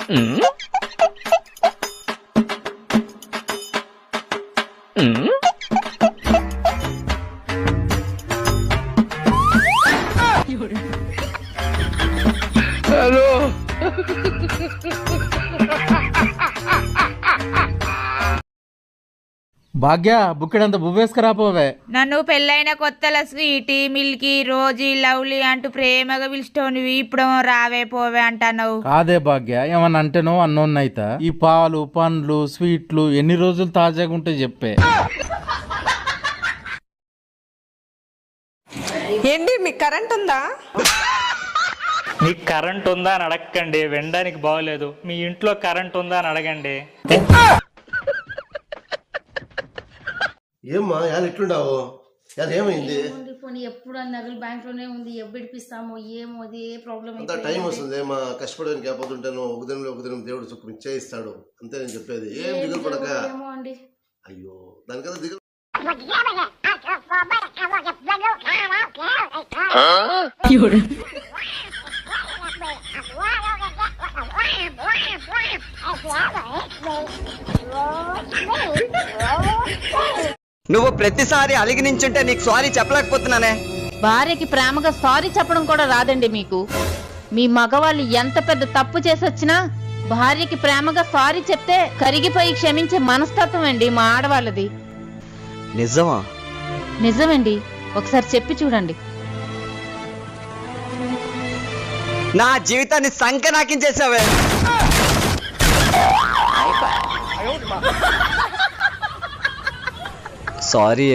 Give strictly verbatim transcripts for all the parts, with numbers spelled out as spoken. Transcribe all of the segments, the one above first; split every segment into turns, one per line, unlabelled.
Hello
భాగ్య బుక్కెడంత బువ్వేసుకురాపోవే.
నన్ను పెళ్ళైన కొత్తల స్వీటీ మిల్కీ రోజీ లవ్లీ అంటూ ప్రేమగా పిలుచుకోనివి ఇప్పుడు రావే పోవే అంటున్నావు.
కాదే భాగ్య, ఏమన్నా అంటేనో అన్నోన్నైతా. ఈ పాలు పండ్లు స్వీట్లు ఎన్ని రోజులు తాజాగా ఉంటే చెప్పే.
ఏంటి మీకు కరెంట్ ఉందా?
మీకు కరెంట్ ఉందా అని అడగండి, వినడానికి బాగోలేదు. మీ ఇంట్లో కరెంట్ ఉందా అని అడగండి.
ఏమ్మా యాలు ఎట్లుండావు? యాలు ఏమైంది?
పోనీ ఎప్పుడు నగలు బ్యాంక్ లోనే ఉంది, ఎప్పుడు ఇడిపిస్తామో ఏమో, అది ఏ ప్రాబ్లం.
అంత టైం వస్తుంది మా కష్టపడడానికి కాకపోతుంటాను. ఒక దినం ఒక దినం దేవుడు సుఖం ఇచ్చేయిస్తాడు అంతే నేను చెప్పేది. ఏం దిగులు పడక. అయ్యో దానికన్నా దిగులు.
నువ్వు ప్రతిసారి అలిగి నించుంటే నీకు సారీ చెప్పలేకపోతున్నానే.
భార్యకి ప్రేమగా సారీ చెప్పడం కూడా రాదండి మీకు. మీ మగవాళ్ళు ఎంత పెద్ద తప్పు చేసొచ్చినా భార్యకి ప్రేమగా సారీ చెప్తే కరిగిపోయి క్షమించే మనస్తత్వం అండి మా ఆడవాళ్ళది.
నిజమా?
నిజమండి, ఒకసారి చెప్పి చూడండి.
నా జీవితాన్ని సంకనాకించేసావే. సారీ.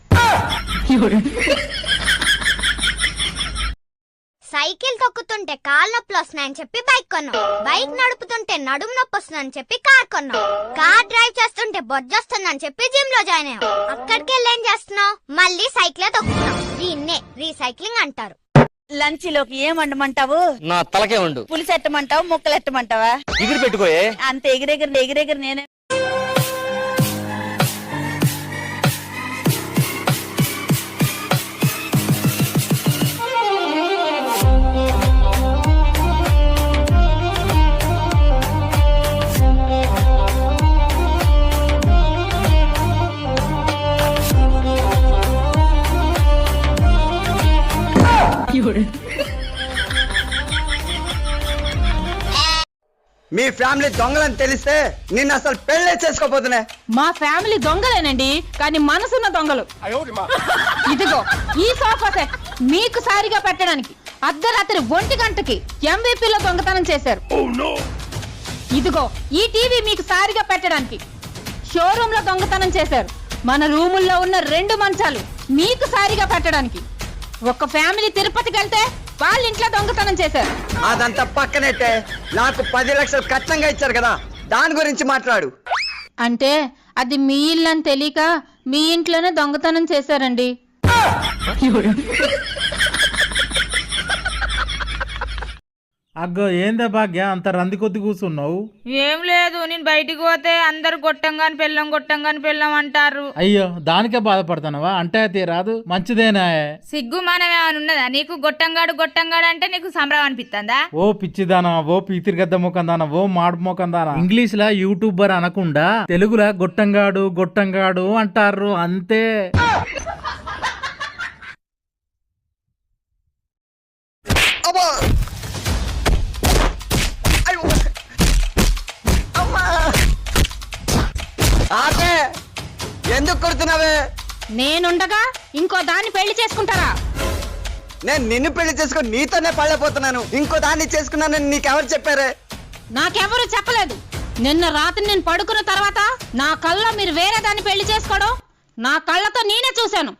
సైకిల్ తొక్కుతుంటే కాళ్ళ నొప్పులు వస్తున్నాయని చెప్పి బైక్ కొన్నాం. బైక్ నడుపుతుంటే నడుము నొప్పి వస్తుందని చెప్పి కార్ కొన్నాం. కార్ డ్రైవ్ చేస్తుంటే బొజ్జొస్తుందని చెప్పి జిమ్ లో జాయిన్ అయ్యాం. అక్కడికి వెళ్ళి ఏం చేస్తున్నావు? మళ్ళీ సైకిల్ తొక్కుతున్నాం. దీన్నే రీసైక్లింగ్ అంటారు.
లంచ్ లోకి ఏం వండమంటావు?
నా తలకే ఉండు.
పులుసు ఎట్టమంటావు, ముక్కలు ఎట్టమంటావా?
ఎగిరి పెట్టుకోయే.
అంత ఎగిరెగిరి ఎగిరెగిరి నేనే.
మీ ఫ్యామిలీ దొంగలని తెలిస్తే నిన్ను అసలు పెళ్లి చేసుకోపోతున్నా.
మా ఫ్యామిలీ దొంగలేనండి, కానీ మనసున్న దొంగలు. ఇదిగో ఈ సోఫా సెట్ మీకు సారిగా పెట్టడానికి అర్ధరాత్రి ఒంటి గంటకి ఎంవీపీలో దొంగతనం చేశారు. ఇదిగో ఈ టీవీ మీకు సారిగా పెట్టడానికి షోరూమ్ లో దొంగతనం చేశారు. మన రూముల్లో ఉన్న రెండు మంచాలు మీకు సారిగా పెట్టడానికి ఒక ఫ్యామిలీ తిరుపతికి వెళ్తే వాళ్ళ ఇంట్లో దొంగతనం చేశారు.
అదంతా పక్కనైతే నాకు పది లక్షలు కట్నంగా ఇచ్చారు కదా, దాని గురించి మాట్లాడు.
అంటే అది మీ ఇల్లు అని తెలియక మీ ఇంట్లోనే దొంగతనం చేశారండి.
అగ్గో ఏందే భాగ్య అంత రంది కొద్ది కూర్చున్నావు?
ఏం లేదు, నేను బయటికి పోతే అందరు గొట్టంగాని పెళ్ళం గొట్టంగాని పెళ్ళం అంటారు.
అయ్యో దానికే బాధపడతానవా? అంటే తీరాదు మంచిదేనా?
సిగ్గు మానవేమని ఉన్నదా నీకు? గొట్టంగాడు గొట్టంగాడు అంటే నీకు సంబరం అనిపిస్తుందా?
ఓ పిచ్చిదానా, ఓ పీతిరిగద్ద ముఖందానా, ఓ మాడు ముఖందానా. ఇంగ్లీష్ లా యూట్యూబర్ అనకుండా తెలుగులా గొట్టంగాడు గొట్టంగాడు అంటారు అంతే.
ఎందుకు కొడుతున్నావే?
నేనుండగా ఇంకో దాన్ని పెళ్లి చేసుకుంటారా?
నేను నిన్ను పెళ్లి చేసుకుని నీతోనే పళ్ళపోతున్నాను. ఇంకో దాన్ని చేసుకున్నానని నీకెవరు చెప్పారే?
నాకెవరు చెప్పలేదు. నిన్న రాత్రి నేను పడుకున్న తర్వాత నా కళ్ళలో మీరు వేరే దాన్ని పెళ్లి చేసుకోవడం నా కళ్ళతో నేనే చూశాను.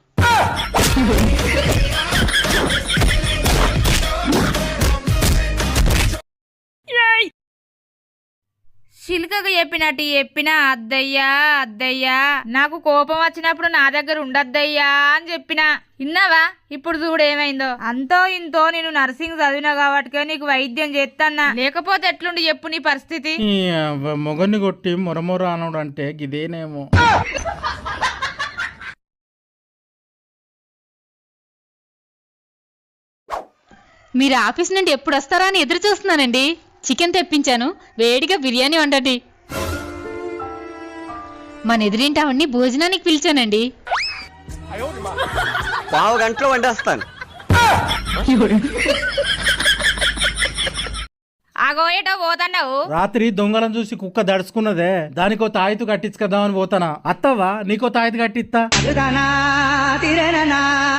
చిలుకగా చెప్పినట్టు చెప్పినా అద్దయ్యా అద్దయ్యా నాకు కోపం వచ్చినప్పుడు నా దగ్గర ఉండద్దయ్యా అని చెప్పినా. విన్నావా? ఇప్పుడు చూడు ఏమైందో. అంతో ఇంతో నేను నర్సింగ్ చదివినా కాబట్టి నీకు వైద్యం చేస్తానా, లేకపోతే ఎట్లుండి చెప్పు నీ పరిస్థితి.
మొగన్ని కొట్టి మొరమొర అనడు అంటే ఇదేనేమో.
మీరు ఆఫీస్ నుండి ఎప్పుడు వస్తారా అని ఎదురు చూస్తున్నానండి. చికెన్ తెప్పించాను, వేడిగా బిర్యానీ వండండి. మన ఎదురింటి ఆవిడ్ని భోజనానికి పిలిచానండి.
పావు గంటలో వండేస్తాను.
ఆగో ఏటో పోతున్నావు?
రాత్రి దొంగలను చూసి కుక్క దడుచుకున్నదే, దానికో తాయితు కట్టించుకదామని పోతానా. అత్తవా నీకో తాయితు కట్టిస్తా.